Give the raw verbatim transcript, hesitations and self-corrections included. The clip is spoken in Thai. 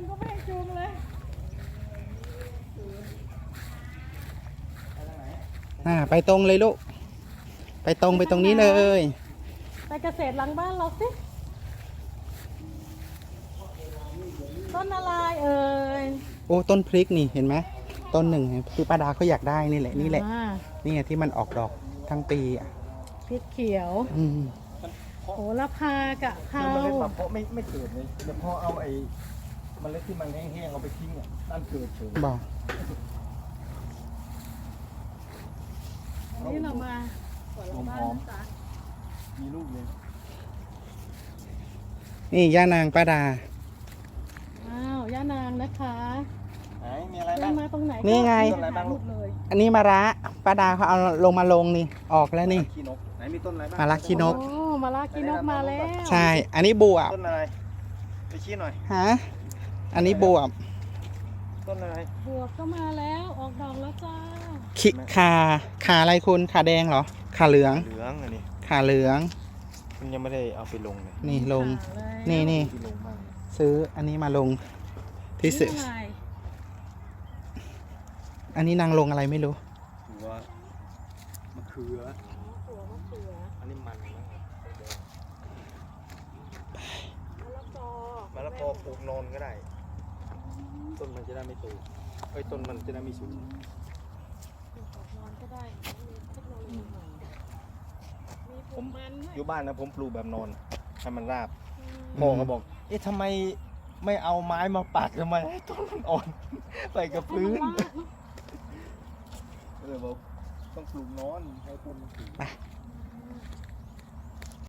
ก็ไม่ให้จูงเลยอ่าไปตรงเลยลูกไปตรงไปตรงนี้เลยไปเกษตรหลังบ้านเราสิต้นอะไรเอ่ยโอ้ต้นพริกนี่เห็นไหมต้นหนึ่งคือป้าดาเขาอยากได้นี่แหละนี่แหละนี่ไงที่มันออกดอกทั้งปีอ่ะพริกเขียวอืมโหระพากะเพราเมล็ดเพาะไม่ไม่เกิดเลยแต่พอเอาไอ้เมล็ดที่มันแห้งๆเอาไปทิ้งอ่ะนั่นเกิดเฉยบอกนี่เรามาสวนหลังบ้านจ้ะมีลูกเลยนี่ย่านางป้าดาอ้าวย่านางนะคะไหนมีอะไรบ้างย่ามาตรงไหนนี่ไงอันนี้มะระป้าดาเขาเอาลงมาลงนี่ออกแล้วนี่ขี้นกไหนมีต้นอะไรบ้างมะระขี้นกโอ้มะระขี้นกมาแล้วใช่อันนี้บวบต้นอะไรไปชี้หน่อยฮะอันนี้บวบต้นอะไรบวบก็มาแล้วออกดอกแล้วจ้าขิขาขาอะไรคุณขาแดงเหรอขาเหลืองเหลืองอันนี้ขาเหลืองมันยังไม่ได้เอาไปลงเลยนี่ลงนี่นี่ซื้ออันนี้มาลงที่ซื้ออันนี้นางลงอะไรไม่รู้หัวมะเขือหัวมะเขืออันนี้มันมะละกอมะละกอปลูกนอนก็ได้ต้นมันจะได้ไม่โตไอ้ต้นมันจะได้ไม่สูงนอนก็ได้มีเทคโนโลยีใหม่มีปลูกมันอยู่บ้านนะผมปลูกแบบนอนให้มันราบพ่อเขาบอกเอ๊ะทำไมไม่เอาไม้มาปักทำไมให้ต้นมันอ่อนไปกับพื้นเลยบอกต้องปลูกนอนให้ต้นมันสูง